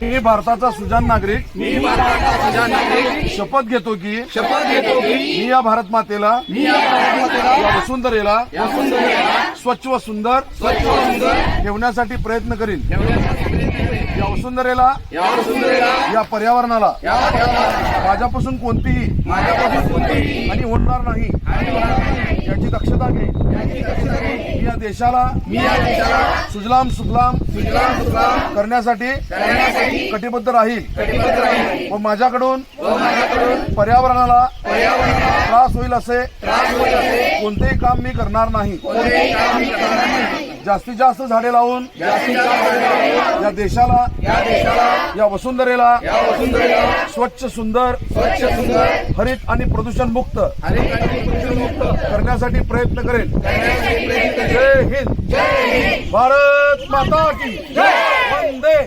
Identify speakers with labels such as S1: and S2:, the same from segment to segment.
S1: मी भारताचा सुजाण नागरिक शपथ घेतो की मी या भारत मातेला या वसुंधरेला स्वच्छ व सुंदर ठेवण्यासाठी प्रयत्न करीन। या वसुंधरेला या पर्यावरणाला माझ्यापासून कोणतीही हानी होणार नाही याची दक्षता घेईन। मी या देशाला सुजलाम सुफलाम करण्यासाठी कटिबद्ध राहील व माझ्याकडून पर्यावरणाला त्रास होईल असे कोणतेही काम मी करणार नाही। जास्तीत जास्त झाडे लावून या देशाला या वसुंधरेला स्वच्छ सुंदर हरित आणि प्रदूषण मुक्त करण्यासाठी प्रयत्न करेल। जय हिंद, भारत माता की वंदे।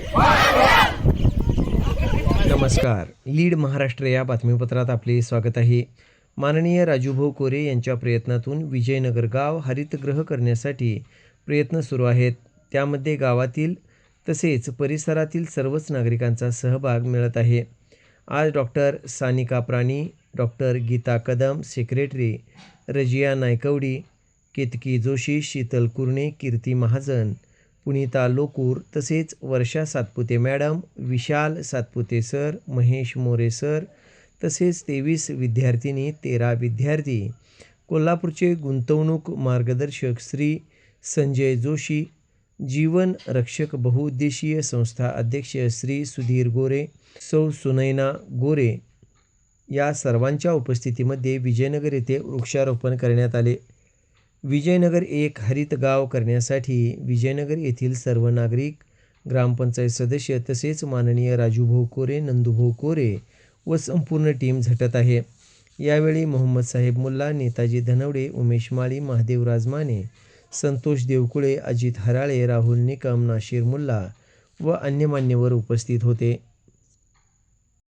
S2: नमस्कार, लीड महाराष्ट्र या बातमीपत्रात आपले स्वागत आहे। माननीय राजूभाऊ कोरे यांच्या प्रयत्नातून विजयनगर गाव हरितगृह करण्यासाठी प्रयत्न सुरू आहेत। त्यामध्ये गावातील तसेच परिसरातील सर्वच नागरिकांचा सहभाग मिळत आहे। आज doctor Sanika Prani, doctor Geeta Kadam, secretary Razia Naikwadi, Ketaki Joshi, Sheetal Kurne, Kirti Mahajan, Punita Lokur तसेच Varsha Satpute madam, Vishal Satpute sir, Mahesh More sir तसेच 23 विद्यार्थिनी, 13 विद्यार्थी, कोल्हापूरचे गुंतवणूक मार्गदर्शक श्री संजय जोशी, जीवन रक्षक बहुउद्देशीय संस्था अध्यक्ष श्री सुधीर गोरे, सौ सुनैना गोरे या सर्वांच्या उपस्थितीमध्ये विजयनगर येथे वृक्षारोपण करण्यात आले। विजयनगर एक हरित गाव करण्यासाठी विजयनगर येथील सर्व नागरिक, ग्रामपंचायत सदस्य तसेच माननीय राजूभाऊ कोरे, नंदूभाऊ कोरे व संपूर्ण टीम झटत आहे। यावेळी मोहम्मद साहेब मुल्ला, नेताजी धनवडे, उमेश माळी, महादेव राजमाने, संतोष देवकुळे, अजित हराळे, राहुल निकम, नाशिर मुल्ला व अन्य मान्यवर उपस्थित होते।